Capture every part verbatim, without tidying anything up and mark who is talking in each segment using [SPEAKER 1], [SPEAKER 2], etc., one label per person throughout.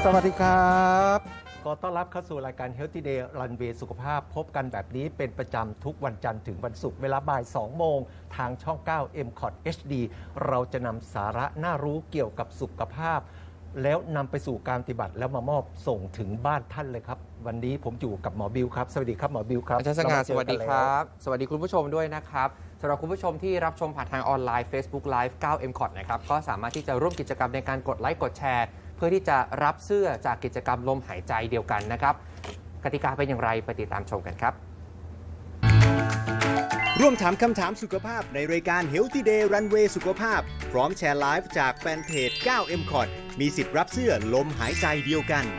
[SPEAKER 1] วัสดีครับขอต้อนรับเข้าสู่รายการ Healthy Day Runway สุขภาพพบกันแบบนี้เป็นประจำทุกวันจันทร์ถึงวันศุกร์เวลาบ่ายสองโมงทางช่อง เก้า เอ็ม คอท เอช ดี เราจะนำสาระน่ารู้เกี่ยวกับสุขภาพแล้วนำไปสู่การปฏิบัติแล้วมามอบส่งถึงบ้านท่านเลยครับวันนี้ผมอยู่กับหมอบิวครับสวัสดีครับหมอบิวครับ
[SPEAKER 2] อาจารย์สง่าสวัสดีครับสวัสดีคุณผู้ชมด้วยนะครับสำหรับคุณผู้ชมที่รับชมผ่านทางออนไลน์ Facebook Live เก้า เอ็ม คอท นะครับก็สามารถที่จะร่วมกิจกรรมในการกดไลค์กดแชร์เพื่อที่จะรับเสื้อจากกิจกรรมลมหายใจเดียวกันนะครับกติกาเป็นอย่างไรไปติดตามชมกันครับ
[SPEAKER 3] ร่วมถามคำถามสุขภาพในรายการ Healthy Day Runway สุขภาพพร้อมแชร์ไลฟ์จากแฟนเพจ เก้า เอ็ม คอท มีสิทธิ์รับเสื้อลมหายใจเดียวกัน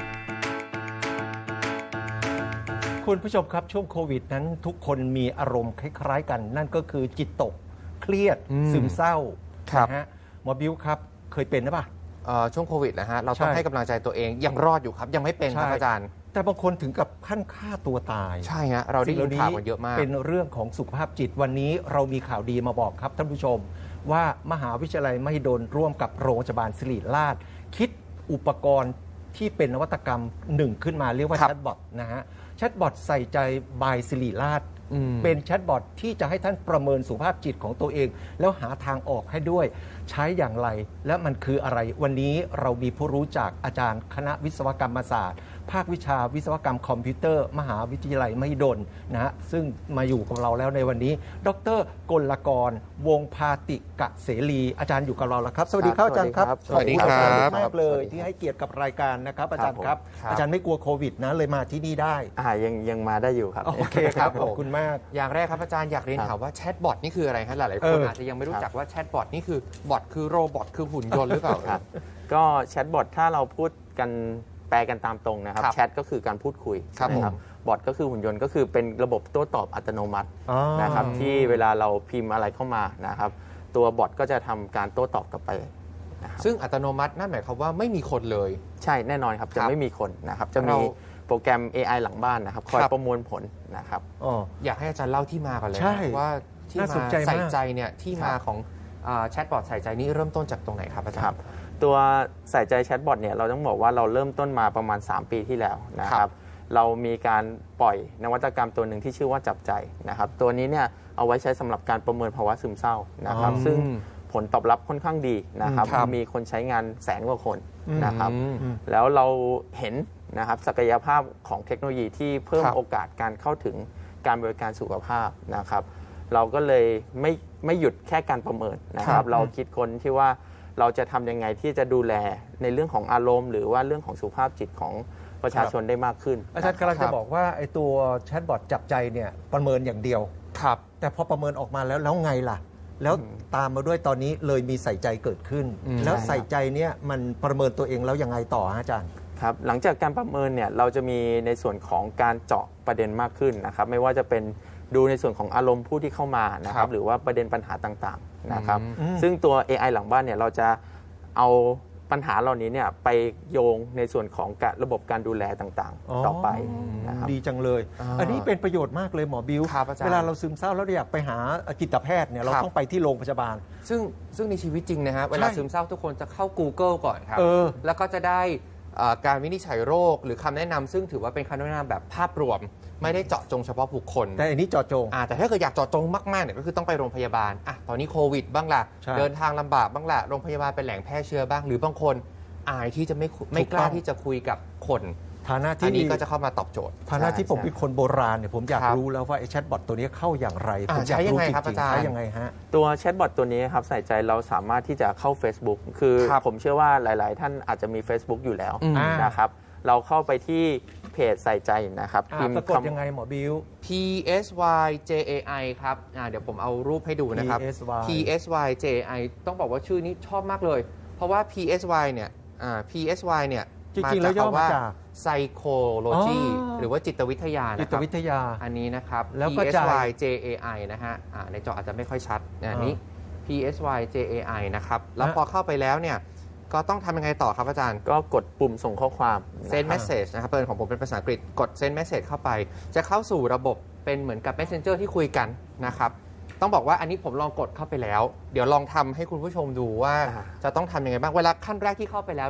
[SPEAKER 1] คุณผู้ชมครับช่วงโควิดนั้นทุกคนมีอารมณ์คล้ายๆกันนั่นก็คือจิตตกเครียดซึมเศร้านะฮะหมอบิวครับเคยเป็นหรือเปล่า
[SPEAKER 2] ช่วงโควิดนะฮะเราต้องให้กำลังใจตัวเองยังรอดอยู่ครับยังไม่เป็นครับอาจารย์
[SPEAKER 1] แต่บางคนถึงกับขั้นฆ่าตัวตาย
[SPEAKER 2] ใช่ฮะเราได้ยินข่าวกันเยอะมาก
[SPEAKER 1] เป็นเรื่องของสุขภาพจิตวันนี้เรามีข่าวดีมาบอกครับท่านผู้ชมว่ามหาวิทยาลัยมหิดลร่วมกับโรงพยาบาลศิริราชคิดอุปกรณ์ที่เป็นนวัตกรรมหนึ่งขึ้นมาเรียกว่าแชทบอทนะฮะแชทบอทใส่ใจบายศิริราชเป็นแชทบอทที่จะให้ท่านประเมินสุขภาพจิตของตัวเองแล้วหาทางออกให้ด้วยใช้อย่างไรและมันคืออะไรวันนี้เรามีผู้รู้จากอาจารย์คณะวิศวกรรมศาสตร์ภาควิชาวิศวกรรมคอมพิวเตอร์มหาวิทยาลัยมหิดลนะฮะซึ่งมาอยู่กับเราแล้วในวันนี้ดร.กลกรวงศ์พาติกะเสรีอาจารย์อยู่กับเราแล้วครับสวัสดีครับอาจารย์ครับ
[SPEAKER 2] สวัสดีครับ
[SPEAKER 1] มากเลยที่ให้เกียรติกับรายการนะครับอาจารย์ครับอาจารย์ไม่กลัวโควิดนะเลยมาที่นี่ได้
[SPEAKER 4] อ่ายังยังมาได้อยู่ครับ
[SPEAKER 1] โอเคครับขอบคุณมาก
[SPEAKER 2] อย่างแรกครับอาจารย์อยากเรียนถามว่าแชทบอทนี่คืออะไรครับหลายๆคนอาจจะยังไม่รู้จักว่าแชทบอทนี่คือบอทคือโรบอทคือหุ่นยนต์หรือเปล่า
[SPEAKER 4] ครับก็แชทบอทถ้าเราพูดกันแปลกันตามตรงนะครับแชทก็คือการพูดคุยนะครับบอทก็คือหุ่นยนต์ก็คือเป็นระบบโต้ตอบอัตโนมัตินะครับที่เวลาเราพิมพ์อะไรเข้ามานะครับตัวบอทก็จะทำการโต้ตอบกลับไป
[SPEAKER 2] ซึ่งอัตโนมัตินั่นหมายความว่าไม่มีคนเลย
[SPEAKER 4] ใช่แน่นอนครับจะไม่มีคนนะครับจะมีโปรแกรม เอ ไอ หลังบ้านนะครับคอยประมวลผลนะครับ
[SPEAKER 2] อยากให้อาจารย์เล่าที่มาก่อนเลยว่าที่มาใส่ใจเนี่ยที่มาของแชทบอทใส่ใจนี้เริ่มต้นจากตรงไหนครับอาจารย์
[SPEAKER 4] ตัวใส่ใจแชทบอทเนี่ยเราต้องบอกว่าเราเริ่มต้นมาประมาณสามปีที่แล้วนะครับเรามีการปล่อยนวัตกรรมตัวหนึ่งที่ชื่อว่าจับใจนะครับตัวนี้เนี่ยเอาไว้ใช้สำหรับการประเมินภาวะซึมเศร้านะครับซึ่งผลตอบรับค่อนข้างดีนะครับมีคนใช้งานแสนกว่าคนนะครับแล้วเราเห็นนะครับศักยภาพของเทคโนโลยีที่เพิ่มโอกาสการเข้าถึงการบริการสุขภาพนะครับเราก็เลยไม่ไม่หยุดแค่การประเมินนะครับเราคิดคนที่ว่าเราจะทำยังไงที่จะดูแลในเรื่องของอารมณ์หรือว่าเรื่องของสุขภาพจิตของประชาชนได้มากขึ้น
[SPEAKER 1] อาจารย์กำลังจะบอกว่าไอ้ตัวแชทบอทจับใจเนี่ยประเมินอย่างเดียว
[SPEAKER 2] ครับ
[SPEAKER 1] แต่พอประเมินออกมาแล้วแล้วไงล่ะแล้วตามมาด้วยตอนนี้เลยมีใส่ใจเกิดขึ้นแล้วใส่ใจเนี่ยมันประเมินตัวเองแล้วยังไงต่ออาจารย์
[SPEAKER 4] ครับหลังจากการประเมินเนี่ยเราจะมีในส่วนของการเจาะประเด็นมากขึ้นนะครับไม่ว่าจะเป็นดูในส่วนของอารมณ์ผู้ที่เข้ามานะครับหรือว่าประเด็นปัญหาต่างๆนะครับซึ่งตัว เอ ไอ หลังบ้านเนี่ยเราจะเอาปัญหาเหล่านี้เนี่ยไปโยงในส่วนของระบบการดูแลต่างๆต่อไปนะครับ
[SPEAKER 1] ดีจังเลย อ, อันนี้เป็นประโยชน์มากเลยหมอบิวเวลาเราซึมเศร้าแล้วอยากไปหาจิตแพทย์เนี่ยเราต้องไปที่โรงพยาบาล
[SPEAKER 2] ซึ่งซึ่งในชีวิตจริงนะฮะเวลาซึมเศร้าทุกคนจะเข้า Google ก่อนครับแล้วก็จะได้การวินิจฉัยโรคหรือคำแนะนำซึ่งถือว่าเป็นคำแนะนำแบบภาพรวมไม่ได้เจาะจงเฉพาะบุคคล
[SPEAKER 1] แต่อันนี้เจาะจง
[SPEAKER 2] แต่ถ้าเกิดอยากเจาะจงมากๆเนี่ยก็คือต้องไปโรงพยาบาลอ่ะตอนนี้โควิดบ้างล่ะเดินทางลำบากบ้างล่ะโรงพยาบาลเป็นแหล่งแพร่เชื้อบ้างหรือบางคนอายที่จะไม่ไม่กล้าที่จะคุยกับคน
[SPEAKER 1] ฐานะที่
[SPEAKER 2] อันนี้ก็จะเข้ามาตอบโจทย์
[SPEAKER 1] ฐานะที่ผมเป็นคนโบราณเนี่ยผมอยากรู้แล้วว่าไอ้แชทบอทตัวนี้เข้าอย่างไรผมอยากรู้จริงๆใช้ยังไงฮะ
[SPEAKER 4] ตัวแชทบอทตัวนี้ครับใส่ใจเราสามารถที่จะเข้า Facebook คือผมเชื่อว่าหลายๆท่านอาจจะมี Facebook อยู่แล้วนะครับเราเข้าไปที่เพจใส่ใจนะครับ
[SPEAKER 1] พิมพ์สะกดยังไงหมอบิว
[SPEAKER 2] P S Y J A I ครับเดี๋ยวผมเอารูปให้ดูนะครับ P S Y J A I ต้องบอกว่าชื่อนี้ชอบมากเลยเพราะว่า P S Y เนี่ย P S Y เนี่ย
[SPEAKER 1] จริงๆแล้วย่อมาจาก
[SPEAKER 2] psychology หรือว่าจิตวิทยา
[SPEAKER 1] จิตวิทยา
[SPEAKER 2] อันนี้นะครับ
[SPEAKER 1] แล้ว
[SPEAKER 2] P S Y J A I นะฮะในจออาจจะไม่ค่อยชัดอันนี้ P S Y J A I นะครับแล้วพอเข้าไปแล้วเนี่ยก็ต้องทำยังไงต่อครับอาจารย์
[SPEAKER 4] ก็กดปุ่มส่งข้อความ
[SPEAKER 2] send message นะครับเปิดของผมเป็นภาษาอังกฤษกด send message เข้าไปจะเข้าสู่ระบบเป็นเหมือนกับ messenger ที่คุยกันนะครับต้องบอกว่าอันนี้ผมลองกดเข้าไปแล้วเดี๋ยวลองทำให้คุณผู้ชมดูว่าจะต้องทำยังไงบ้างเวลาขั้นแรกที่เข้าไปแล้วเนี่ย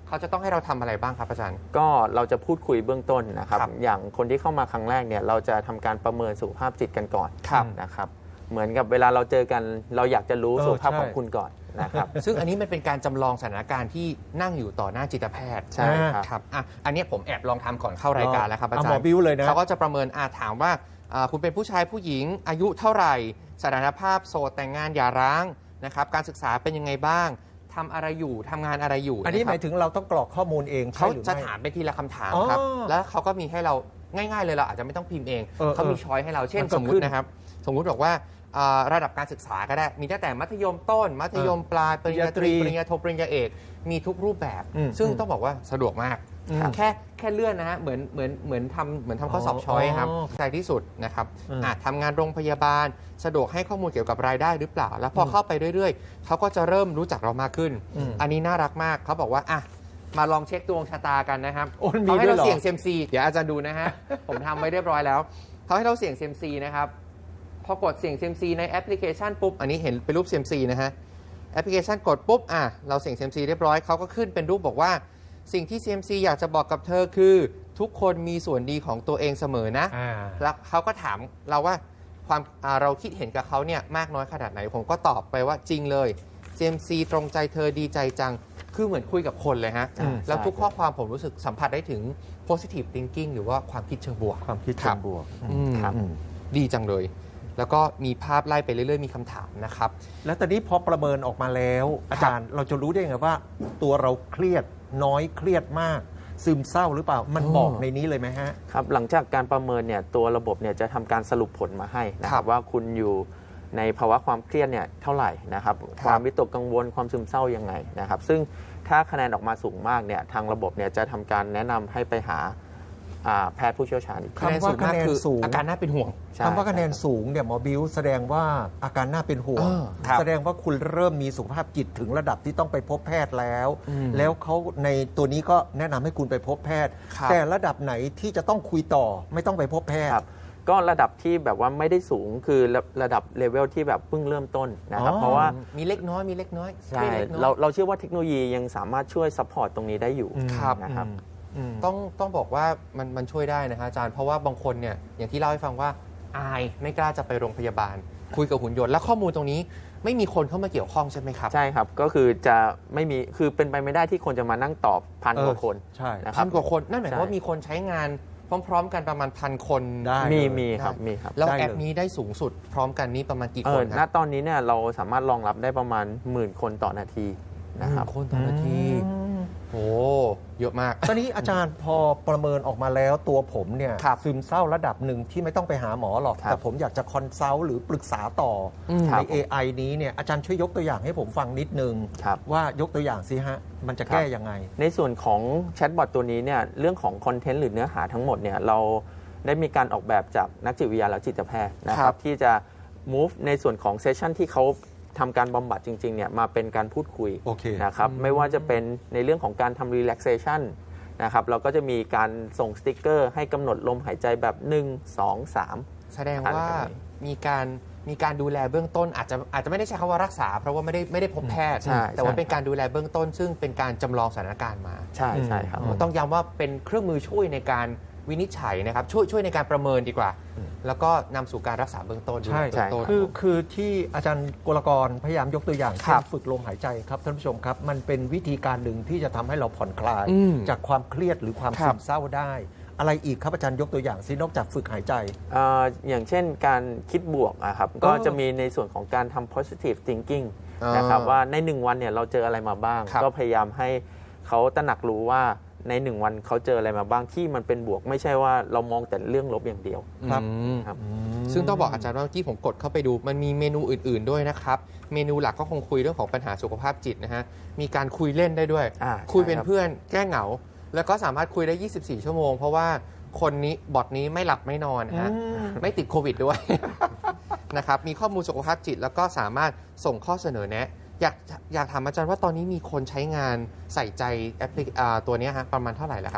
[SPEAKER 2] เขาจะต้องให้เราทำอะไรบ้างครับอาจารย์
[SPEAKER 4] ก็เราจะพูดคุยเบื้องต้นนะครับ
[SPEAKER 2] ครับ
[SPEAKER 4] อย่างคนที่เข้ามาครั้งแรกเนี่ยเราจะทำการประเมินสุขภาพจิตกันก่อน
[SPEAKER 2] ครับ
[SPEAKER 4] นะครับเหมือนกับเวลาเราเจอกันเราอยากจะรู้
[SPEAKER 1] เออ
[SPEAKER 4] สุขภาพ
[SPEAKER 1] ใช่
[SPEAKER 4] ของคุณก่อนนะครับ
[SPEAKER 2] ซึ่งอันนี้มันเป็นการจำลองสถานการณ์ที่นั่งอยู่ต่อหน้าจิตแพทย์
[SPEAKER 4] ใช่ครับ
[SPEAKER 2] ครับอ่ะอันนี้ผมแอบลองทำก่อนเข้ารายการแล้วครับอาจาร
[SPEAKER 1] หมอ
[SPEAKER 2] ย์
[SPEAKER 1] บิ้วเลยนะ
[SPEAKER 2] เขาก็จะประเมินอาถามว่าอ่าคุณเป็นผู้ชายผู้หญิงอายุเท่าไหร่สถานภาพโสดแต่งงานหย่าร้างนะครับการศึกษาเป็นยังไงบ้างทำอะไรอยู่ทำงานอะไรอยู่
[SPEAKER 1] อันนี้
[SPEAKER 2] ะ
[SPEAKER 1] ห
[SPEAKER 2] ครับ
[SPEAKER 1] มายถึงเราต้องกรอกข้อมูลเองใช่
[SPEAKER 2] เขา
[SPEAKER 1] หรือ
[SPEAKER 2] จะ
[SPEAKER 1] ไม่
[SPEAKER 2] ถามไปทีละคำถาม
[SPEAKER 1] อ๋อ
[SPEAKER 2] ครับ แล้วเขาก็มีให้เราง่ายๆเลยเราอาจจะไม่ต้องพิมพ์เอง
[SPEAKER 1] เออ
[SPEAKER 2] เขามี
[SPEAKER 1] เออ
[SPEAKER 2] ช้อยให้เราเช่น
[SPEAKER 1] มันก็
[SPEAKER 2] สมมุ
[SPEAKER 1] ขึ้
[SPEAKER 2] ติ
[SPEAKER 1] น
[SPEAKER 2] นะครับ สมมุติบอกว่าอ่าระดับการศึกษาก็ได้ มีตั้งแต่มัธยมต้น มัธยมปลาย ปริญญาตรี
[SPEAKER 1] ป
[SPEAKER 2] ป
[SPEAKER 1] ริ
[SPEAKER 2] ริ
[SPEAKER 1] ญ
[SPEAKER 2] ญ
[SPEAKER 1] ญา
[SPEAKER 2] ญาโท ปริญญาเอก มีทุกรูปแบบ
[SPEAKER 1] อืม
[SPEAKER 2] ซึ่ง
[SPEAKER 1] อืม
[SPEAKER 2] ต้องบอกว่าสะดวกมาก
[SPEAKER 1] อืม
[SPEAKER 2] แค่แค่เลื่อนนะฮะ เหมือนเหมือนเหมือนทำเหมือนทำข้อสอบ
[SPEAKER 1] อ๋อ
[SPEAKER 2] ช้อยครับ
[SPEAKER 1] อ๋อ
[SPEAKER 2] ใจที่สุดนะครับ
[SPEAKER 1] อืม
[SPEAKER 2] อ่ะทำงานโรงพยาบาล สะดวกให้ข้อมูลเกี่ยวกับรายได้หรือเปล่า แล้วพอเข้าไปเรื่อยๆ เขาก็จะเริ่มรู้จักเรามากขึ้น
[SPEAKER 1] อืม
[SPEAKER 2] อันนี้น่ารักมาก เขาบอกว่าอ่ะมาลองเช็คดวงชะตากันนะครับ
[SPEAKER 1] โอ้มี
[SPEAKER 2] เขาให้
[SPEAKER 1] ด้วย
[SPEAKER 2] เรา
[SPEAKER 1] เหรอ
[SPEAKER 2] เสี่ยงเซยมซีเดี๋ยวอาจารย์ดูนะฮะ ผมทำไว้เรียบร้อยแล้วเขาให้เราเสี่ยงเซยมซีนะครับพอกดเสี่ยงเซยมซีในแอปพลิเคชันปุ๊บอันนี้เห็นเป็นรูปเซยมซีนะฮะแอปพลิเคชันกดปุ๊บอ่ะเราเสี่ยงเซยมซีเรียบร้อยเขาก็ขึ้นเป็นรูปบอกว่าสิ่งที่ ซี เอ็ม ซี อยากจะบอกกับเธอคือ ทุกคนมีส่วนดีของตัวเองเสมอนะ
[SPEAKER 1] อ่า
[SPEAKER 2] แล้วเขาก็ถามเราว่าความอ่าเราคิดเห็นกับเขาเนี่ยมากน้อยขนาดไหน ผมก็ตอบไปว่าจริงเลย ซี เอ็ม ซี ตรงใจเธอดีใจจัง คือเหมือนคุยกับคนเลยฮะ
[SPEAKER 1] อืม
[SPEAKER 2] แล้ว
[SPEAKER 4] ใช่
[SPEAKER 2] ทุกข้อความผมรู้สึกสัมผัสได้ถึง positive thinking หรือว่าความคิดเชิงบวก
[SPEAKER 1] ความคิด
[SPEAKER 2] ค
[SPEAKER 1] เชิ
[SPEAKER 2] รั
[SPEAKER 1] ง
[SPEAKER 2] บ
[SPEAKER 1] บวก
[SPEAKER 2] อืม
[SPEAKER 1] อืม
[SPEAKER 2] ดีจังเลย แล้วก็มีภาพไล่ไปเรื่อยๆ มีคำถามนะครับ
[SPEAKER 1] แล้วตอนนี้พอประเมินออกมาแล้ว อาจารย์เราจะรู้ได้ไงว่า ตัวเราเครียดน้อยเครียดมาก ซึมเศร้าหรือเปล่ามัน
[SPEAKER 2] อ๋อ
[SPEAKER 1] บอกในนี้เลยไหมฮะ
[SPEAKER 4] ครับหลังจากการประเมินเนี่ยตัวระบบเนี่ยจะทำการสรุปผลมาให้นะค
[SPEAKER 2] ครั
[SPEAKER 4] รับบ ว่าคุณอยู่ในภาวะความเครียดเนี่ยเท่าไหร่นะครับ
[SPEAKER 2] ครับ
[SPEAKER 4] ความวิตกกังวลความซึมเศร้ายังไงนะครับ ซึ่งถ้าคะแนนออกมาสูงมากเนี่ยทางระบบเนี่ยจะทำการแนะนำให้ไปหาอ่าแพทย์ผู้เชี่ยวชาญอีก
[SPEAKER 2] คะแนนสูงมากคือ
[SPEAKER 1] สูง
[SPEAKER 2] อาการน่าเป็นห่วง
[SPEAKER 4] ใช่
[SPEAKER 1] คำว่าคะแนนสูงเนี่ยหมอบิวแสดงว่าอาการน่าเป็นห่วง
[SPEAKER 2] เออครับ
[SPEAKER 1] แสดงว่าคุณเริ่มมีสุขภาพจิตถึงระดับที่ต้องไปพบแพทย์แล้ว
[SPEAKER 2] อืม
[SPEAKER 1] แล้วเขาในตัวนี้ก็แนะนำให้คุณไปพบแพทย์
[SPEAKER 2] ครับ
[SPEAKER 1] แต่ระดับไหนที่จะต้องคุยต่อไม่ต้องไปพบแพทย์
[SPEAKER 4] ครับก็ระดับที่แบบว่าไม่ได้สูงคือระระดับเลเวลที่แบบเพิ่งเริ่มต้นนะครับ
[SPEAKER 1] อ๋อ
[SPEAKER 4] เพราะว่า
[SPEAKER 2] มีเล็กน้อยมีเล็กน้อย
[SPEAKER 4] ใช่
[SPEAKER 2] มีเล็กน้อย
[SPEAKER 4] เราเราเชื่อว่าเทคโนโลยียังสามารถช่วยซัพพอร์ตตรงนี้ได้อยู่
[SPEAKER 2] ครับ
[SPEAKER 4] นะครับ
[SPEAKER 1] อืม
[SPEAKER 2] ต้องต้องบอกว่ามันมันช่วยได้นะฮะอาจารย์เพราะว่าบางคนเนี่ยอย่างที่เล่าให้ฟังว่าอายไม่กล้าจะไปโรงพยาบาล คุยกับหุ่นยนต์และข้อมูลตรงนี้ไม่มีคนเข้ามาเกี่ยวข้องใช่ไหมครับ
[SPEAKER 4] ใช่ครับ ก็คือจะไม่มี คือเป็นไปไม่ได้ที่คนจะมานั่งตอบพันกว่าคน
[SPEAKER 1] ใช่
[SPEAKER 4] นะค
[SPEAKER 2] พั
[SPEAKER 4] รับ
[SPEAKER 2] นกว่าคนนั่นหมายความ
[SPEAKER 4] ใช่
[SPEAKER 2] ว่ามีคนใช้งานพร้อม ๆ กันประมาณพันคน
[SPEAKER 1] ได้
[SPEAKER 4] มี
[SPEAKER 1] เลย
[SPEAKER 4] มีครับ
[SPEAKER 2] ได้
[SPEAKER 4] มีครับ
[SPEAKER 2] แล้ว
[SPEAKER 1] ได้เลย
[SPEAKER 2] แอปนี้ได้สูงสุดพร้อมกันนี้ประมาณกี่
[SPEAKER 4] เอ
[SPEAKER 2] ค
[SPEAKER 4] อน ณ
[SPEAKER 2] ครับ
[SPEAKER 4] ตอนนี้เนี่ยเราสามารถรองรับได้ประมาณหมื่นคนต่อนาทีนะครับ
[SPEAKER 2] คนต่อนาที
[SPEAKER 1] อืม
[SPEAKER 2] โอ้เยอะมาก
[SPEAKER 1] ตอนนี้อาจารย์พอประเมินออกมาแล้วตัวผมเนี่ย
[SPEAKER 2] ครับ
[SPEAKER 1] ซึมเศร้าระดับหนึ่งที่ไม่ต้องไปหาหมอหรอก
[SPEAKER 4] ครับ
[SPEAKER 1] แต่ผมอยากจะคอนซัลท์หรือปรึกษาต่ออ
[SPEAKER 2] ม
[SPEAKER 1] ใน
[SPEAKER 4] ครับ
[SPEAKER 1] เอ ไอ นี้เนี่ยอาจารย์ช่วยยกตัวอย่างให้ผมฟังนิดนึง
[SPEAKER 4] ครับ
[SPEAKER 1] ว่ายกตัวอย่างสิฮะ มันจะแก้ยังไง
[SPEAKER 4] ในส่วนของแชทบอทตัวนี้เนี่ยเรื่องของคอนเทนต์หรือเนื้อหาทั้งหมดเนี่ยเราได้มีการออกแบบจากนักจิตวิทยาและจิตแพทย์นะค
[SPEAKER 2] ครั
[SPEAKER 4] รับบ ที่จะ move ในส่วนของเซสชันที่เขาทำการบำบัดจริงๆเนี่ยมาเป็นการพูดคุย
[SPEAKER 1] โอเค
[SPEAKER 4] นะครับไม่ว่าจะเป็นในเรื่องของการทำ relaxation นะครับเราก็จะมีการส่งสติกเกอร์ให้กำหนดลมหายใจแบบหนึ่ง สอง สาม
[SPEAKER 2] แสดงว่ามีการมีการดูแลเบื้องต้นอาจจะอาจจะไม่ได้ใช้คำว่ารักษา เพราะว่าไม่ได้ไม่ได้พบแพทย์
[SPEAKER 4] ใช่
[SPEAKER 2] แต่ว่า
[SPEAKER 4] ใช่
[SPEAKER 2] เป็นการดูแลเบื้องต้น ซึ่งเป็นการจำลองสถานการณ์มา
[SPEAKER 4] ใช่ใช่ครับ
[SPEAKER 1] อืม
[SPEAKER 2] ต้องย้ำว่าเป็นเครื่องมือช่วยในการวินิจฉัยนะครับช่วยช่วยในการประเมินดีกว่า แล้วก็นำสู่การรักษาเบื้องต้นดูแล
[SPEAKER 1] ใช่
[SPEAKER 2] เบื้องต้น
[SPEAKER 1] คือคือที่อาจารย์กลกรพยายามยกตัวอย่าง
[SPEAKER 2] ครั
[SPEAKER 1] เช่
[SPEAKER 2] บ
[SPEAKER 1] นฝึกลมหายใจครับท่านผู้ชมครับ มันเป็นวิธีการหนึ่งที่จะทำให้เราผ่อนคลาย
[SPEAKER 2] อืม
[SPEAKER 1] จากความเครียดหรือความ
[SPEAKER 2] ครั
[SPEAKER 1] ซึ
[SPEAKER 2] บ
[SPEAKER 1] มเศร้าได้ อะไรอีกครับอาจารย์ยกตัวอย่างซินอกจากฝึกหายใจ
[SPEAKER 4] เอ่ออย่างเช่นการคิดบวกอะครับก็จะมีในส่วนของการทำ positive thinking
[SPEAKER 2] อ่าน
[SPEAKER 4] นะครับว่าในหนึ่งวันเนี่ยเราเจออะไรมาบ้าง
[SPEAKER 2] ครับ
[SPEAKER 4] ก็พยายามให้เขาตระหนักรู้ว่าในหนึ่งวันเขาเจออะไรมาบ้างที่มันเป็นบวก ไม่ใช่ว่าเรามองแต่เรื่องลบอย่างเดียว
[SPEAKER 1] ครับ
[SPEAKER 2] อืม
[SPEAKER 4] ครับ
[SPEAKER 2] ซึ่งต้องบอกอาจารย์ว่าเมื่อกี้ผมกดเข้าไปดู มันมีเมนูอื่น ๆด้วยนะครับ เมนูหลักก็คงคุยเรื่องของปัญหาสุขภาพจิตนะฮะ มีการคุยเล่นได้ด้วย
[SPEAKER 4] อ่า
[SPEAKER 2] คุยเป็น
[SPEAKER 4] ใช่ครับ
[SPEAKER 2] เพื่อนแก้เหงา แล้วก็สามารถคุยได้ ยี่สิบสี่ ชั่วโมง เพราะว่าคนนี้บอทนี้ไม่หลับไม่นอนนะฮะ ไม่ติดโควิดด้วย นะครับ มีข้อมูลสุขภาพจิต แล้วก็สามารถส่งข้อเสนอแนะ อยากอยากถามอาจารย์ว่าตอนนี้มีคนใช้งานใส่ใจแอปพลิเคอ่าตัวเนี้ยฮะประมาณเท่าไหร่แล้วครับ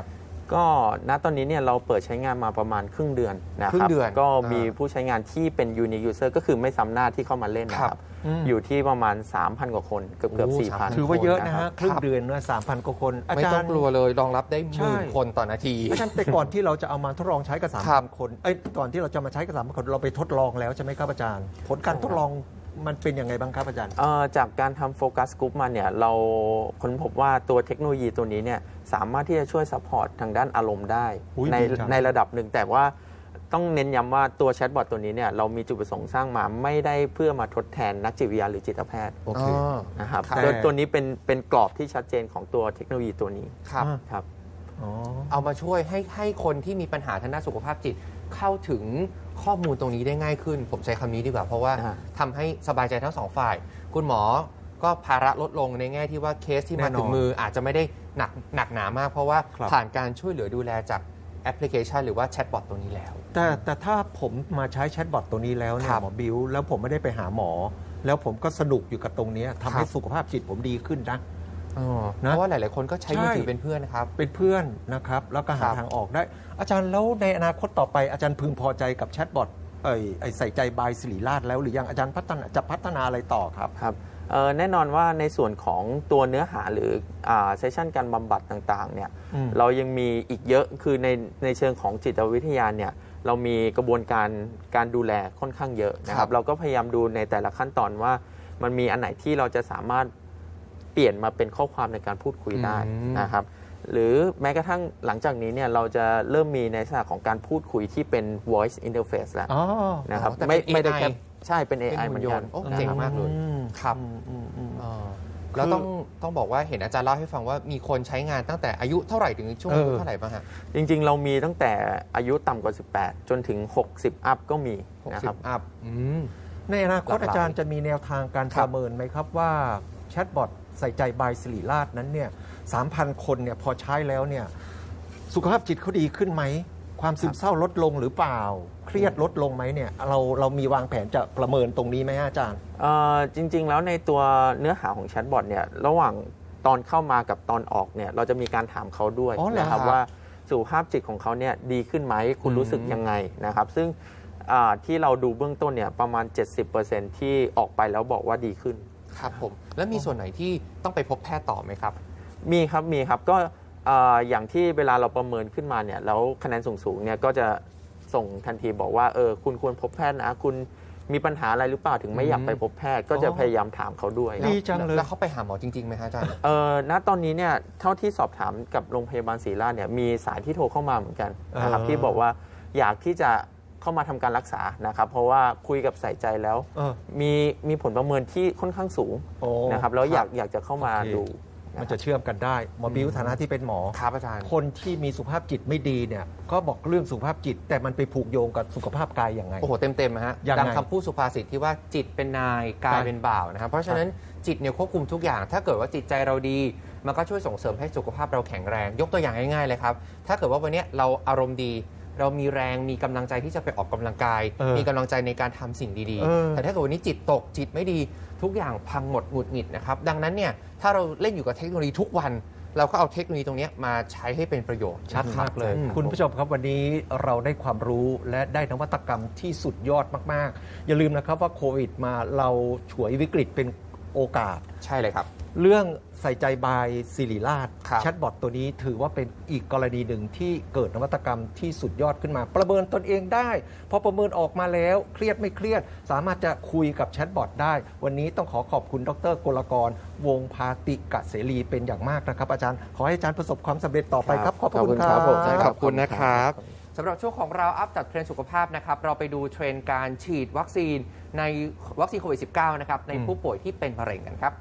[SPEAKER 4] ก็ณตอนนี้เนี่ยเราเปิดใช้งานมาประมาณครึ่งเดือนนะค
[SPEAKER 2] ครึ่
[SPEAKER 4] รับ
[SPEAKER 2] งเดือน
[SPEAKER 4] ก็
[SPEAKER 2] อ่ามี
[SPEAKER 4] มีผู้ใช้งานที่เป็น unique user ก็คือไม่ซ้ำหน้าที่เข้ามาเล่นนะค
[SPEAKER 2] ครั
[SPEAKER 4] รับ
[SPEAKER 2] บ
[SPEAKER 1] อืม
[SPEAKER 4] อยู่ที่ประมาณ สามพัน กว่าคนเกือบเกือบ
[SPEAKER 2] โอ้
[SPEAKER 4] สี่พัน
[SPEAKER 1] ถือว่าเยอะนะ
[SPEAKER 4] ครั
[SPEAKER 1] ฮะ
[SPEAKER 4] บ
[SPEAKER 1] ครึ่งเดือนนะสามพันกว่าคนอา
[SPEAKER 2] ไม่
[SPEAKER 1] จาร
[SPEAKER 2] ต้อง
[SPEAKER 1] ย์
[SPEAKER 2] กลัวเลยรองรับได้ห
[SPEAKER 1] ใช่
[SPEAKER 2] มื่นคนต่อนาที
[SPEAKER 1] อาจารย์แต่ก่อนที่เราจะเอามาทดลองใช้กับสาม
[SPEAKER 2] ครั
[SPEAKER 1] พั
[SPEAKER 2] บ
[SPEAKER 1] นคนเอ้ยก่อนที่เราจะมาใช้กับสามพันคนเราไปทดลองแล้วใช่ไหมครับอาจารย์ ผลการทดลองมันเป็นยังไงบ้างครับอาจารย์
[SPEAKER 4] เอ่อจากการทำโฟกัสกลุ่มมาเนี่ยเราค้นพบว่าตัวเทคโนโลยีตัวนี้เนี่ยสามารถที่จะช่วยซัพพอร์ตทางด้านอารมณ์ได้
[SPEAKER 1] อุ๊ย
[SPEAKER 4] ใน
[SPEAKER 1] ดีจัง
[SPEAKER 4] ในระดับหนึ่งแต่ว่าต้องเน้นย้ำว่าตัวแชทบอทตัวนี้เนี่ยเรามีจุดประสงค์สร้างมาไม่ได้เพื่อมาทดแทนนักจิตวิทยาหรือจิตแพทย์
[SPEAKER 1] โอเค
[SPEAKER 2] อ๋อ
[SPEAKER 4] นะครับ
[SPEAKER 2] ครับ
[SPEAKER 4] โดยตัวนี้เป็นเป็นกรอบที่ชัดเจนของตัวเทคโนโลยีตัวนี้
[SPEAKER 2] ครับ
[SPEAKER 1] อ่า
[SPEAKER 4] ครับ
[SPEAKER 1] อ๋อ
[SPEAKER 2] เอามาช่วยให้ให้คนที่มีปัญหาทางด้านสุขภาพจิตเข้าถึงข้อมูลตรงนี้ได้ง่ายขึ้น ผมใช้คำนี้ดีกว่า เพราะว่า
[SPEAKER 4] อ่า
[SPEAKER 2] ทำให้สบายใจทั้งสองฝ่าย คุณหมอก็ภาระลดลงในแง่ที่ว่าเคสที่มา
[SPEAKER 1] แน่นอน
[SPEAKER 2] ถึงมืออาจจะไม่ได้หนักหนักหนามาก เพราะว่า
[SPEAKER 1] ครับ
[SPEAKER 2] ผ่านการช่วยเหลือดูแลจากแอปพลิเคชัน หรือว่าแชทบอทตัวนี้แล้ว
[SPEAKER 1] แต่แต่ถ้าผมมาใช้แชทบอทตัวนี้แล้วเนี่
[SPEAKER 2] ครั
[SPEAKER 1] ย
[SPEAKER 2] บ
[SPEAKER 1] หมอบิวแล้วผมไม่ได้ไปหาหมอ แล้วผมก็สนุกอยู่กับตรงเนี้ยทำให้
[SPEAKER 2] ครับ
[SPEAKER 1] สุขภาพจิตผมดีขึ้นนะ
[SPEAKER 2] อ๋อ
[SPEAKER 1] นะ
[SPEAKER 2] เพราะว่าหลาย ๆ คนก็ใช้มือถือ
[SPEAKER 1] ใช่
[SPEAKER 2] เป็นเพื่อนนะครับ
[SPEAKER 1] เป็นเพื่อนนะครับ แล้วก็หา
[SPEAKER 2] ครับ
[SPEAKER 1] ทางออกได้ อาจารย์แล้วในอนาคตต่อไปอาจารย์พึงพอใจกับแชทบอทเอ่ยไอ้ใส่ใจบายศิริราชแล้วหรือยังอาจารย์พัฒนาจะพัฒนาอะไรต่อครับ
[SPEAKER 4] ครับเอ่อแน่นอนว่าในส่วนของตัวเนื้อหาหรือเซสชันการบำบัดต่างๆเนี่ย
[SPEAKER 1] อืม
[SPEAKER 4] เรายังมีอีกเยอะคือในในเชิงของจิตวิทยาเนี่ยเรามีกระบวนการการดูแลค่อนข้างเยอะนะค
[SPEAKER 2] ครั
[SPEAKER 4] รั
[SPEAKER 2] บบ
[SPEAKER 4] เราก็พยายามดูในแต่ละขั้นตอนว่ามันมีอันไหนที่เราจะสามารถเปลี่ยนมาเป็นข้อความในการพูดคุยได้
[SPEAKER 2] อืม
[SPEAKER 4] นะครับหรือแม้กระทั่งหลังจากนี้เนี่ยเราจะเริ่มมีในลักษณะของการพูดคุยที่เป็น voice interface แล้ว
[SPEAKER 1] อ๋อ
[SPEAKER 4] นะครับ
[SPEAKER 2] อ๋อแต่
[SPEAKER 4] ไม่
[SPEAKER 2] เป็น
[SPEAKER 4] ไม่ได้
[SPEAKER 2] เอ
[SPEAKER 4] แค่
[SPEAKER 2] ไอ
[SPEAKER 4] ใช่เป็น เอ ไอ
[SPEAKER 2] เป็น
[SPEAKER 4] เหมือน
[SPEAKER 2] หุ่นย
[SPEAKER 4] กัน
[SPEAKER 2] นต์โอ้
[SPEAKER 4] นะ
[SPEAKER 2] เจ๋ง
[SPEAKER 4] ครับ
[SPEAKER 2] มากเลย
[SPEAKER 1] อืม
[SPEAKER 2] ครับ
[SPEAKER 1] อืมอืมอืม
[SPEAKER 2] อ่าแล้วต้องต้องบอกว่าเห็นอาจารย์เล่าให้ฟังว่ามีคนใช้งานตั้งแต่อายุเท่าไหร่ถึงช่วงอายุ
[SPEAKER 1] เออ
[SPEAKER 2] เท่าไหร่บ้างฮะ
[SPEAKER 4] จริงๆ เรามีตั้งแต่อายุต่ำกว่า สิบแปด จนถึง หกสิบ อัพก็มี
[SPEAKER 2] หก
[SPEAKER 4] นะ
[SPEAKER 2] สิ
[SPEAKER 4] ครับ
[SPEAKER 2] บอัพอืม
[SPEAKER 1] ในอนาคต
[SPEAKER 2] หลากหลาย
[SPEAKER 1] อาจารย์จะมีแนวทางการ
[SPEAKER 2] ค
[SPEAKER 1] ป
[SPEAKER 2] รับ
[SPEAKER 1] ระเมินไหมครับว่าแชทบอทใส่ใจบายศิริราชนั้นเนี่ยสามพันคนเนี่ยพอใช้แล้วเนี่ยสุขภาพจิตเขาดีขึ้นไหม ความซึมเศร้าลดลงหรือเปล่า เครียดลดลงไหมเนี่ยเราเรามีวางแผนจะประเมินตรงนี้ไหมอาจารย์
[SPEAKER 4] เอ่อจริง ๆ แล้วในตัวเนื้อหาของแชทบอทเนี่ยระหว่างตอนเข้ามากับตอนออกเนี่ยเราจะมีการถามเขาด้วย
[SPEAKER 1] อ๋อเหรอ
[SPEAKER 4] นะครับ
[SPEAKER 2] ครับ
[SPEAKER 4] ว่าสุขภาพจิตของเขาเนี่ยดีขึ้นไหมคุณ
[SPEAKER 2] อืม
[SPEAKER 4] รู้สึกยังไงนะครับ ซึ่งอ่าที่เราดูเบื้องต้นเนี่ยประมาณ เจ็ดสิบเปอร์เซ็นต์ ที่ออกไปแล้วบอกว่าดีขึ้น
[SPEAKER 2] ครับผม แล้วมีส่วนไหนที่ต้องไปพบแพทย์ต่อไหมครับ
[SPEAKER 4] มีครับมีครับก็อ่าอย่างที่เวลาเราประเมินขึ้นมาเนี่ยแล้วคะแนนสูงๆเนี่ยก็จะส่งทันทีบอกว่าเออคุณควรพบแพทย์นะคุณมีปัญหาอะไรหรือเปล่าถึงไม่อยากไปพบแพทย์ ก็จะ
[SPEAKER 2] อ๋อ
[SPEAKER 4] พยายามถามเขาด้วย
[SPEAKER 1] ดีจังเลย
[SPEAKER 2] แล้วเขาไปหาหมอจริงๆไหมฮะอาจารย์
[SPEAKER 4] เออณตอนนี้เนี่ยเท่าที่สอบถามกับโรงพยาบาลศรีราชเนี่ยมีสายที่โทรเข้ามาเหมือนกันนะครับ
[SPEAKER 1] เออ
[SPEAKER 4] ที่บอกว่าอยากที่จะเข้ามาทำการรักษานะครับเพราะว่าคุยกับใส่ใจแล้ว
[SPEAKER 1] เออ
[SPEAKER 4] มีมีผลประเมินที่ค่อนข้างสูง
[SPEAKER 1] โอ้
[SPEAKER 4] นะครับแล้ว
[SPEAKER 2] ครับ
[SPEAKER 4] อยากอยากจะเข้ามา
[SPEAKER 1] โอเค
[SPEAKER 4] ดู
[SPEAKER 1] มันจะเชื่อมกันได้หมอบิวฐานะที่เป็นหมอ
[SPEAKER 2] ครับอาจารย์
[SPEAKER 1] คนที่มีสุขภาพจิตไม่ดีเนี่ยก็บอกเรื่องสุขภาพจิต แต่มันไปผูกโยงกับสุขภาพกายอย่างไง
[SPEAKER 2] โอ้โห เต็มๆนะฮะ
[SPEAKER 1] ยังไง
[SPEAKER 2] ดังคำพูดสุภาษิตที่ว่าจิตเป็นนายกายเป็นบ่าวนะครับ เพราะฉะนั้นจิตเนี่ยควบคุมทุกอย่าง ถ้าเกิดว่าจิตใจเราดี มันก็ช่วยส่งเสริมให้สุขภาพเราแข็งแรง ยกตัวอย่างง่ายๆเลยครับ ถ้าเกิดว่าวันเนี้ยเราอารมณ์ดี เรามีแรงมีกำลังใจที่จะไปออกกำลังกาย
[SPEAKER 1] เออ
[SPEAKER 2] มีกำลังใจในการทำสิ่งดี
[SPEAKER 1] เออ
[SPEAKER 2] ๆ แต่ถ้าเกิดวันนี้จิตตกจิตไม่ดีทุกอย่างพังหมดหงุดหงิดนะครับดังนั้นเนี่ยถ้าเราเล่นอยู่กับเทคโนโลยีทุกวัน เราก็เอาเทคโนโลยีตรงเนี้ยมาใช้ให้เป็นประโยชน์
[SPEAKER 1] ชัดมากเลย
[SPEAKER 2] อืม
[SPEAKER 1] คุณผู้ชมครับวันนี้เราได้ความรู้และได้นวัตกรรมที่สุดยอดมากๆ อย่าลืมนะครับว่าโควิดมาเราฉวยวิกฤตเป็นโอกาส
[SPEAKER 2] ใช่เลยครับ
[SPEAKER 1] เรื่องใส่ใจบายศิริราช
[SPEAKER 2] ครับ
[SPEAKER 1] แชทบอทตัวนี้ถือว่าเป็นอีกกรณีหนึ่งที่เกิดนวัตกรรมที่สุดยอดขึ้นมา ประเมินตนเองได้พอประเมินออกมาแล้วเครียดไม่เครียด สามารถจะคุยกับแชทบอทได้ วันนี้ต้องขอขอบคุณดรกลกรวงศ์พาติกะเสรีเป็นอย่างมากนะครับอาจารย์ขอให้อาจารย์ประสบความสำเร็จต่อไปครับขอบพระคุณค
[SPEAKER 4] ข
[SPEAKER 1] รั
[SPEAKER 4] อบ บคุณครับผม
[SPEAKER 2] ขอบคุณนะครับสำหรับช่วงของเราอัปจัดเทรนด์สุขภาพนะครับเราไปดูเทรนด์การฉีดวัคซีนในวัคซีนโควิด สิบเก้า นะครับใน
[SPEAKER 1] อืม
[SPEAKER 2] ผู้ป่วยที่เป็นมะเร็งกันครับ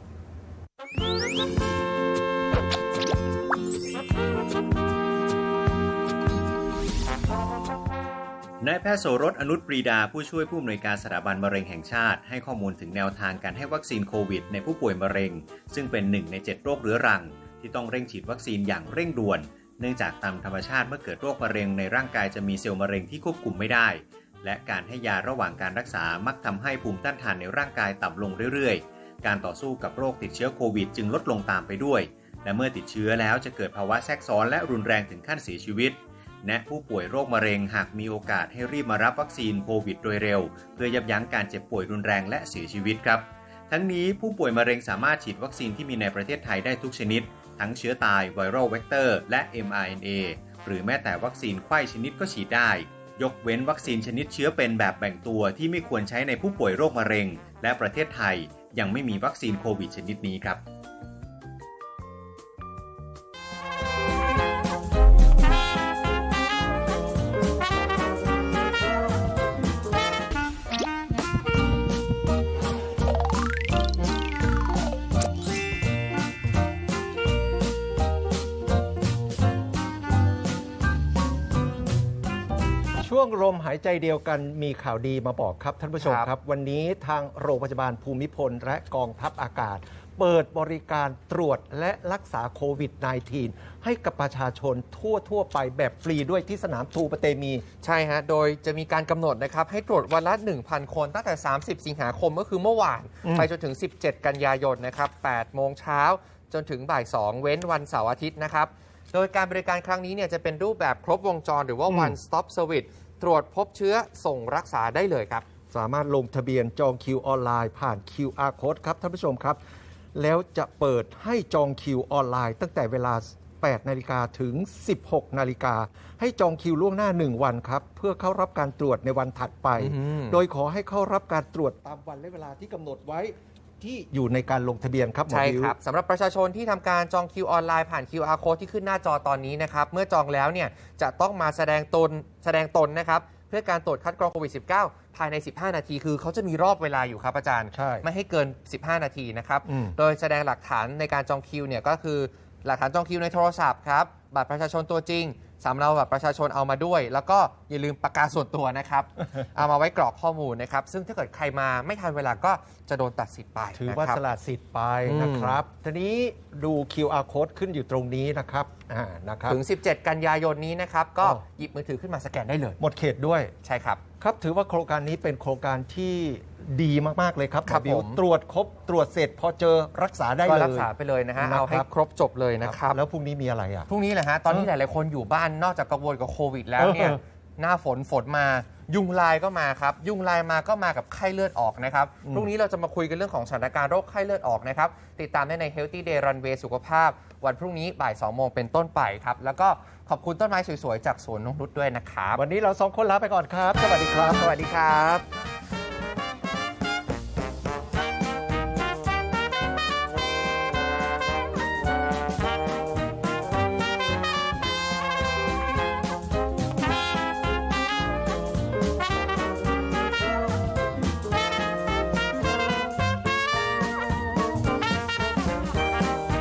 [SPEAKER 5] นายแพทย์โสรสอนุชปรีดาผู้ช่วยผู้อำนวยการสถาบันมะเร็งแห่งชาติให้ข้อมูลถึงแนวทางการให้วัคซีนโควิดในผู้ป่วยมะเร็งซึ่งเป็นหนึ่งในเจ็ดโรคเรื้อรังที่ต้องเร่งฉีดวัคซีนอย่างเร่งด่วนเนื่องจากตามธรรมชาติเมื่อเกิดโรคมะเร็งในร่างกายจะมีเซลล์มะเร็งที่ควบคุมไม่ได้และการให้ยาระหว่างการรักษามักทำให้ภูมิต้านทานในร่างกายต่ำลงเรื่อยๆการต่อสู้กับโรคติดเชื้อโควิดจึงลดลงตามไปด้วยและเมื่อติดเชื้อแล้วจะเกิดภาวะแทรกซ้อนและรุนแรงถึงขั้นเสียชีวิตแนะผู้ป่วยโรคมะเร็งหากมีโอกาสให้รีบมารับวัคซีนโควิดโดยเร็วเพื่อยับยั้งการเจ็บป่วยรุนแรงและเสียชีวิตครับทั้งนี้ผู้ป่วยมะเร็งสามารถฉีดวัคซีนที่มีในประเทศไทยได้ทุกชนิดทั้งเชื้อตายไวรัลเวกเตอร์และ เอ็ม อาร์ เอ็น เอ หรือแม้แต่วัคซีนไข้ชนิดก็ฉีดได้ยกเว้นวัคซีนชนิดเชื้อเป็นแบบแบ่งตัวที่ไม่ควรใช้ในผู้ป่วยโรคมะเร็งและประเทศไทยยังไม่มีวัคซีนโควิดชนิดนี้ครับ
[SPEAKER 1] ช่วงลมหายใจเดียวกันมีข่าวดีมาบอกครับท่านผู้ชม
[SPEAKER 2] ครับ
[SPEAKER 1] ครับวันนี้ทางโรงพยาบาลภูมิพลและกองทัพอากาศ เปิดบริการตรวจและรักษาโควิด สิบเก้า ให้กับประชาชนทั่วทั่วไปแบบฟรีด้วยที่สนามทูปะเตมี
[SPEAKER 2] ใช่ฮะ โดยจะมีการกำหนดนะครับให้ตรวจวันละ หนึ่งพัน คนตั้งแต่ สามสิบ สิงหาคมก็คือเมื่อวาน
[SPEAKER 1] อืม
[SPEAKER 2] ไปจนถึง สิบเจ็ด กันยายนนะครับ แปด โมงเช้าจนถึงบ่าย สอง เว้นวันเสาร์อาทิตย์นะครับ โดยการบริการครั้งนี้เนี่ยจะเป็นรูปแบบครบวงจรหรือว่า
[SPEAKER 1] อืม
[SPEAKER 2] one stop service ตรวจพบเชื้อส่งรักษาได้เลยครับ
[SPEAKER 1] สามารถลงทะเบียนจองคิวออนไลน์ผ่าน คิว อาร์ Code ครับท่านผู้ชมครับ แล้วจะเปิดให้จองคิวออนไลน์ตั้งแต่เวลา แปด นาฬิกาถึง สิบหก นาฬิกาให้จองคิวล่วงหน้า หนึ่ง วันครับ เพื่อเข้ารับการตรวจในวันถัดไป
[SPEAKER 2] อืม
[SPEAKER 1] โดยขอให้เข้ารับการตรวจตามวันและเวลาที่กำหนดไว้ที่อยู่ในการลงทะเบียนครับหมอ
[SPEAKER 2] ใช่
[SPEAKER 1] ดิว
[SPEAKER 2] ครับสำหรับประชาชนที่ทำการจองคิวออนไลน์ผ่าน คิว อาร์ Code ที่ขึ้นหน้าจอตอนนี้นะครับเมื่อจองแล้วเนี่ยจะต้องมาแสดงตนแสดงตนนะครับเพื่อการตรวจคัดกรองโควิด สิบเก้า ภายใน สิบห้า นาทีคือเขาจะมีรอบเวลาอยู่ครับอาจารย์
[SPEAKER 1] ใช่
[SPEAKER 2] ไม่ให้เกิน สิบห้า นาทีนะครับ
[SPEAKER 1] อืม
[SPEAKER 2] โดยแสดงหลักฐานในการจองคิวเนี่ยก็คือหลักฐานจองคิวในโทรศัพท์ครับบัตรประชาชนตัวจริงสำเนาบัตรประชาชนเอามาด้วย แล้วก็อย่าลืมปากกาส่วนตัว นะครับ เอามาไว้กรอกข้อมูลนะครับซึ่งถ้าเกิดใครมาไม่ทันเวลาก็จะโดนตัดสิทธิ์ไป
[SPEAKER 1] ถือว่า
[SPEAKER 2] นะครับ
[SPEAKER 1] สละสิทธิ์ไป
[SPEAKER 2] อืม
[SPEAKER 1] นะครับ ทีนี้ดู คิว อาร์ Code ขึ้นอยู่ตรงนี้นะครับอ่านะครับ
[SPEAKER 2] ถึง สิบเจ็ด กันยายนนี้นะครับ ก็
[SPEAKER 1] อ๋อ
[SPEAKER 2] หยิบมือถือขึ้นมาสแกนได้เลย
[SPEAKER 1] หมดเขตด้วย
[SPEAKER 2] ใช่ครับ
[SPEAKER 1] ครับถือว่าโครงการนี้เป็นโครงการที่ดีมาก ๆ เลยครับ
[SPEAKER 2] ครับ
[SPEAKER 1] หมอบิว
[SPEAKER 2] ผม
[SPEAKER 1] ตรวจครบตรวจเสร็จพอเจอรักษาได้
[SPEAKER 2] ก็
[SPEAKER 1] เลย
[SPEAKER 2] รักษาไปเลยนะฮะ
[SPEAKER 1] นะครับ
[SPEAKER 2] เอาให้ครบจบเลยนะครับ
[SPEAKER 1] แล้วพรุ่งนี้มีอะไรอ่ะ
[SPEAKER 2] พรุ่งนี้แหละฮะ ตอนนี้
[SPEAKER 1] เอ
[SPEAKER 2] ห
[SPEAKER 1] อ
[SPEAKER 2] ลาย ๆ คนอยู่บ้านนอกจากกังวลกับโควิดแล้วเนี่ย
[SPEAKER 1] เออ
[SPEAKER 2] หน้าฝนฝนมา ยุงลายก็มาครับ ยุงลายมาก็มากับไข้เลือดออกนะครับ
[SPEAKER 1] อืม
[SPEAKER 2] พรุ่งนี้เราจะมาคุยกันเรื่องของสถานการณ์โรคไข้เลือดออกนะครับ ติดตามได้ใน Healthy Day Runway สุขภาพ วันพรุ่งนี้บ่าย สอง โมงเป็นต้นไปครับ แล้วก็ขอบคุณต้นไม้สวย ๆ จากสวนนงนุชด้วยนะครับ
[SPEAKER 1] วันนี้เราสองคนลาไปก่อนครับ สวัสดีครับ
[SPEAKER 2] สวัสดีครับ